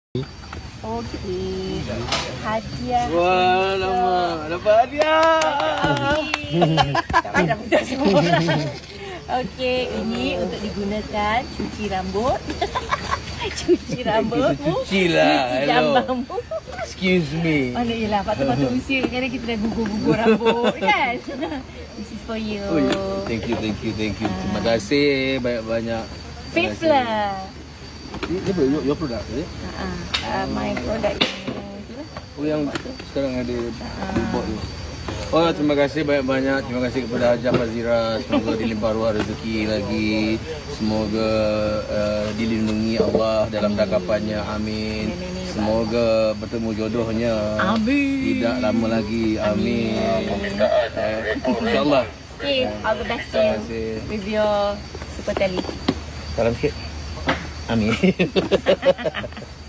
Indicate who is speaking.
Speaker 1: Okey. Hadiah.
Speaker 2: Wah, lama. Dapat hadiah.
Speaker 1: Tak payah budak semua. Okey, ini untuk digunakan cuci rambut. Cuci rambutmu.
Speaker 2: Cuci lah.
Speaker 1: Cuci
Speaker 2: Hello.
Speaker 1: jambangmu.
Speaker 2: Excuse me.
Speaker 1: Mana ialah patut-patut usia kadang kita dah gugur-gugur rambut kan. This is for you.
Speaker 2: Oh, yeah. Thank you. Terima kasih banyak-banyak.
Speaker 1: Fifth lah.
Speaker 2: Ini apa? Your product, is it?
Speaker 1: My product
Speaker 2: Oh, yang sekarang ada billboard tu. Oh, terima kasih banyak-banyak. Terima kasih kepada Hajah Fazira. Semoga dilimpah ruah rezeki lagi. Semoga dilindungi Allah dalam dakapannya. Amin. Semoga bertemu jodohnya.
Speaker 1: Amin.
Speaker 2: Tidak lama lagi. Amin. InsyaAllah.
Speaker 1: Okay, all the best to
Speaker 2: Terima
Speaker 1: you
Speaker 2: kasih.
Speaker 1: with your super tele.
Speaker 2: Salam sikit. Amin.